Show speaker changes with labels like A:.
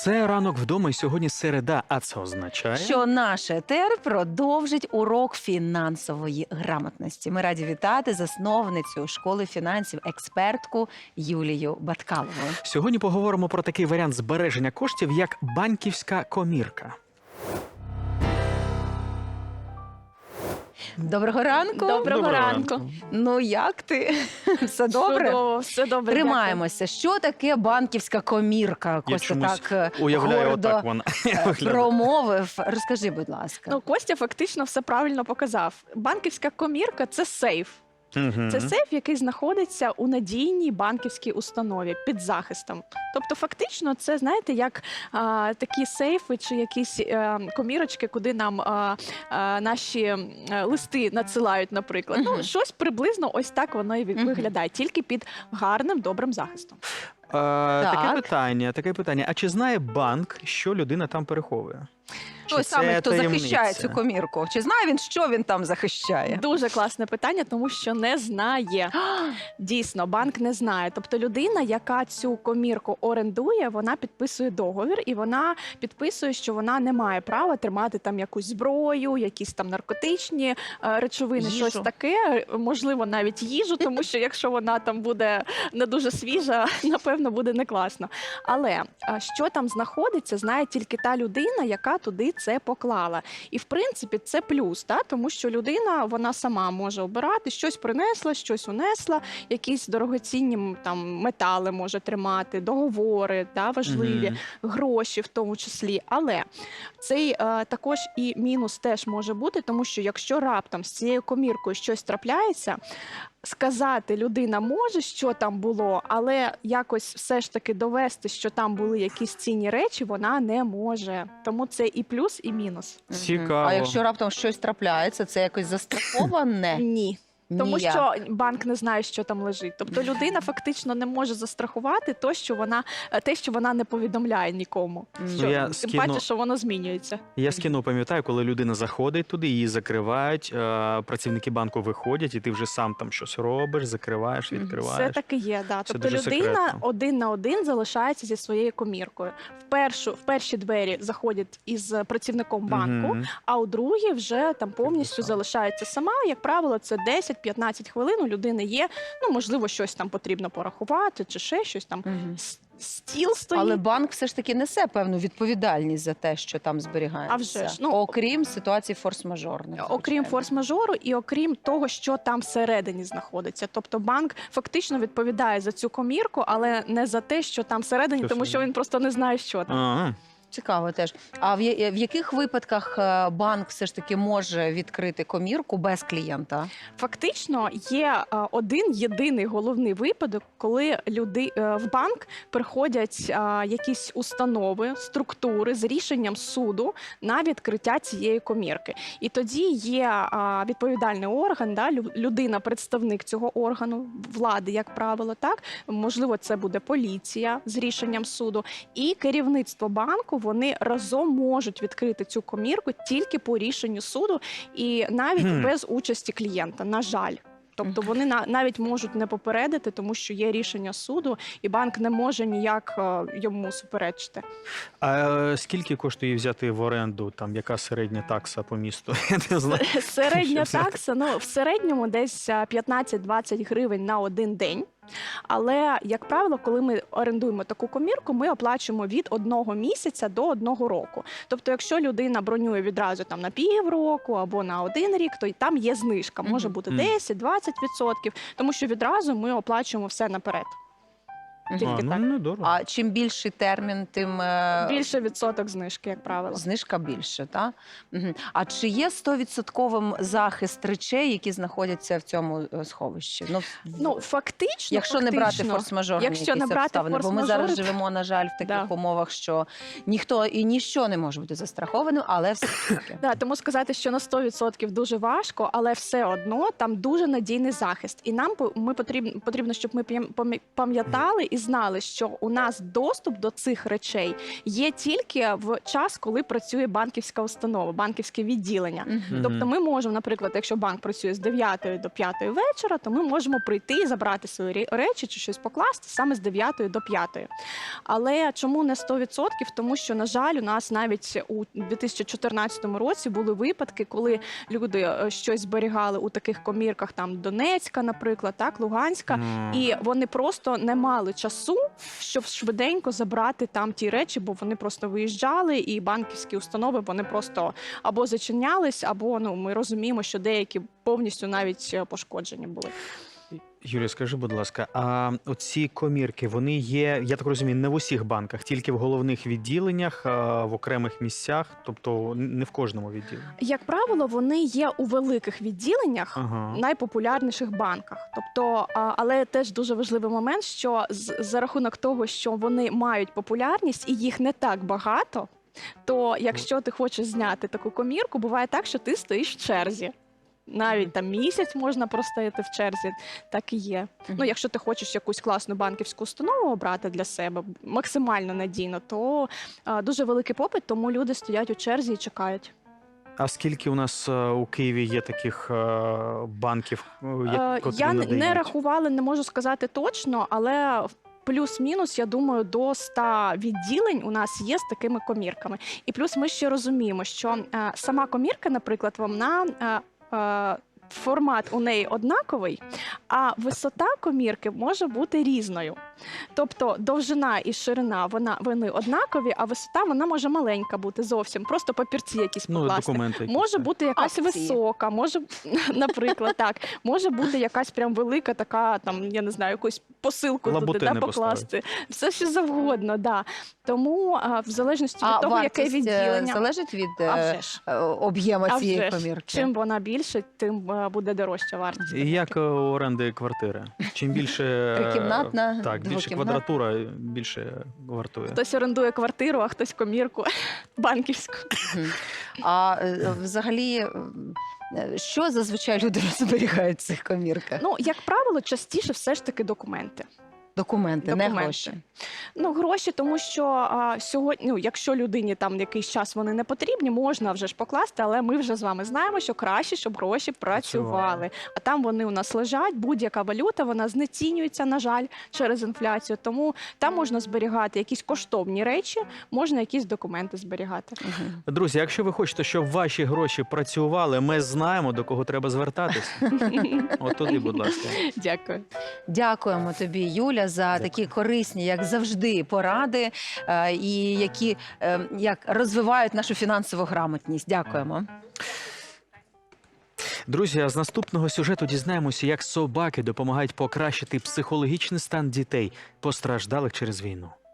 A: Це ранок вдома, і сьогодні середа, а це означає...
B: Що наш етер продовжить урок фінансової грамотності. Ми раді вітати засновницю школи фінансів, експертку Юлію Баткалову.
A: Сьогодні поговоримо про такий варіант збереження коштів, як банківська комірка.
B: Доброго ранку.
C: Доброго ранку.
B: Ну, як ти? Все добре?
C: Чудово, все добре.
B: Тримаємося. Що таке банківська комірка?
A: Я
B: Костя
A: чомусь
B: так
A: уявляю,
B: гордо
A: отак вона виглядає.
B: промовив. Розкажи, будь ласка.
C: Ну, Костя фактично все правильно показав. Банківська комірка – це сейф.
A: Мгм.
C: Це сейф, який знаходиться у надійній банківській установі під захистом. Тобто, фактично, це, знаєте, як такі сейфи чи якісь комірочки, куди нам наші листи надсилають, наприклад.
B: Мгм.
C: Ну, щось приблизно ось так воно і
B: Мгм.
C: виглядає, тільки під гарним, добрим захистом.
A: Таке питання. А чи знає банк, що людина там переховує?
B: Той
A: це
B: самий, хто
A: таємниця?
B: захищає цю комірку. Чи знає він, що він там захищає?
C: Дуже класне питання, тому що не знає. Дійсно, банк не знає. Тобто людина, яка цю комірку орендує, вона підписує договір і вона підписує, що вона не має права тримати там якусь зброю, якісь там наркотичні речовини,
B: Їжу.
C: щось таке, можливо, навіть їжу, тому що якщо вона там буде не дуже свіжа, напевно, буде не класно. Але що там знаходиться, знає тільки та людина, яка туди це поклала. І в принципі це плюс, тому що людина вона сама може обирати, щось принесла, щось унесла, якісь дорогоцінні там метали може тримати, договори важливі,
A: Мгм.
C: гроші в тому числі. Але цей також і мінус теж може бути, тому що якщо раптом з цією коміркою щось трапляється, сказати людина може, що там було, але якось все ж таки довести, що там були якісь цінні речі, вона не може. Тому це і плюс, і мінус.
B: Мгм.
A: Цікаво.
B: А якщо раптом щось трапляється, це якось застраховане?
C: Ні. Тому
B: Ніяк.
C: що банк не знає, що там лежить. Тобто людина фактично не може застрахувати те, що вона не повідомляє нікому.
B: Мгм.
C: Що,
A: Я
C: тим
A: скину-
C: паче, що воно змінюється.
A: Я з кіно пам'ятаю, коли людина заходить туди, її закривають, працівники банку виходять, і ти вже сам там щось робиш, закриваєш,
B: Мгм.
A: відкриваєш.
C: Все таки є, да.
A: Це
C: Тобто
A: дуже
C: людина
A: секретно.
C: один на один залишається зі своєю коміркою. В перші двері заходять із працівником банку,
A: Мгм.
C: а у другі вже там повністю
A: сам.
C: залишається сама. Як правило, це 10-15 хвилин у людини є. Ну, можливо, щось там потрібно порахувати, чи ще щось там.
B: Мгм.
C: Стіл стоїть.
B: Але банк все ж таки несе певну відповідальність за те, що там зберігається.
C: А вже ж, ну,
B: окрім ситуації форс-мажорних.
C: Окрім
B: звичайно.
C: форс-мажору і окрім того, що там всередині знаходиться. Тобто банк фактично відповідає за цю комірку, але не за те, що там всередині,
A: Що
C: тому що він просто не знає, що там.
A: Ага.
B: Цікаво теж. А в яких випадках банк все ж таки може відкрити комірку без клієнта?
C: Фактично є один єдиний головний випадок, коли в банк приходять якісь установи, структури з рішенням суду на відкриття цієї комірки. І тоді є відповідальний орган, людина, представник цього органу, влади, як правило, так? Можливо, це буде поліція з рішенням суду. І керівництво банку, вони разом можуть відкрити цю комірку тільки по рішенню суду і навіть без участі клієнта, на жаль. Тобто вони навіть можуть не попередити, тому що є рішення суду, і банк не може ніяк йому суперечити.
A: А скільки коштує взяти в оренду, там, яка середня такса по місту? Я не знаю.
C: Середня
A: Що це?
C: такса, в середньому десь 15-20 гривень на один день. Але, як правило, коли ми орендуємо таку комірку, ми оплачуємо від 1 місяця до 1 року. Тобто, якщо людина бронює відразу там на півроку або на 1 рік, то й там є знижка. Може бути 10-20%, тому що відразу ми оплачуємо все наперед. Тільки так.
A: Ну, дорого.
B: А чим більший термін, тим
C: Більше відсоток знижки, як правило.
B: знижка більше, так? Угу. А чи є 100% захист речей, які знаходяться в цьому сховищі?
C: Ну, фактично,
B: якщо не брати форс-мажорні
C: Якщо
B: якісь
C: не брати
B: обставини, бо ми зараз
C: форс-мажори,
B: живемо, на жаль, в таких
C: Да.
B: умовах, що ніхто і ніщо не може бути застрахованим, але все таки.
C: Да, тому сказати, що на 100% дуже важко, але все одно там дуже надійний захист. І нам потрібно, щоб ми пам'ятали і і знали, що у нас доступ до цих речей є тільки в час, коли працює банківська установа, банківське відділення.
B: Мгм.
C: Тобто ми можемо, наприклад, якщо банк працює з 9 до 5 вечора, то ми можемо прийти і забрати свої речі чи щось покласти саме з 9 до 5. Але чому не 100%? Тому що, на жаль, у нас навіть у 2014 році були випадки, коли люди щось зберігали у таких комірках, там Донецька, наприклад, так, Луганська, і вони просто не мали часу, щоб швиденько забрати там ті речі, бо вони просто виїжджали, і банківські установи вони просто або зачинялись, або ми розуміємо, що деякі повністю навіть пошкоджені були.
A: Юлія, скажи, будь ласка, а оці комірки, вони є, я так розумію, не в усіх банках, тільки в головних відділеннях, в окремих місцях, тобто не в кожному відділенні?
C: Як правило, вони є у великих відділеннях,
A: Ага.
C: найпопулярніших банках. Тобто, але теж дуже важливий момент, що за рахунок того, що вони мають популярність і їх не так багато, то якщо ти хочеш зняти таку комірку, буває так, що ти стоїш в черзі. Навіть там місяць можна простояти в черзі, так і є.
B: Мгм.
C: Ну, якщо ти хочеш якусь класну банківську установу обрати для себе, максимально надійно, то дуже великий попит, тому люди стоять у черзі і чекають.
A: А скільки у нас у Києві є таких банків, котрі
C: Я
A: надають?
C: не рахувала, не можу сказати точно, але плюс-мінус, я думаю, до 100 відділень у нас є з такими комірками. І плюс ми ще розуміємо, що сама комірка, наприклад, вона формат у неї однаковий, а висота комірки може бути різною. Тобто довжина і ширина вони однакові, а висота вона може маленька бути зовсім. Просто папірці якісь покласти.
A: Документи якісь,
C: Може
A: так.
C: бути якась
B: Акції.
C: висока, може, наприклад, так. Може бути якась прям велика така, там, я не знаю, якусь посилку туди
A: Лабутини
C: покласти. Все що завгодно, да. Тому в залежності від того, яке
B: вартість,
C: відділення.
B: залежить від
C: А вже ж.
B: об'єму
C: А
B: цієї
C: вже ж.
B: комірки?
C: Чим вона більше, тим буде дорожча вартість.
A: І як у оренди квартири? Чим більше
B: Трикімнатна,
A: так, більше
B: двокімнатна?
A: квадратура, більше вартує.
C: Хтось орендує квартиру, а хтось комірку банківську.
B: Мгм. А взагалі, що зазвичай люди зберігають в цих комірках?
C: Ну, як правило, частіше все ж таки документи.
B: Документи, не
C: Документи.
B: гроші.
C: Ну, гроші, тому що сьогодні, якщо людині там якийсь час вони не потрібні, можна вже ж покласти, але ми вже з вами знаємо, що краще, щоб гроші працювали. А там вони у нас лежать, будь-яка валюта, вона знецінюється, на жаль, через інфляцію. Тому там можна зберігати якісь коштовні речі, можна якісь документи зберігати.
B: Мгм.
A: Друзі, якщо ви хочете, щоб ваші гроші працювали, ми знаємо, до кого треба звертатись. От туди, будь ласка.
C: Дякую.
B: Дякуємо тобі, Юля, за такі корисні, як завжди, поради, і які як розвивають нашу фінансову грамотність. Дякуємо.
A: Друзі, а з наступного сюжету дізнаємося, як собаки допомагають покращити психологічний стан дітей, постраждалих через війну.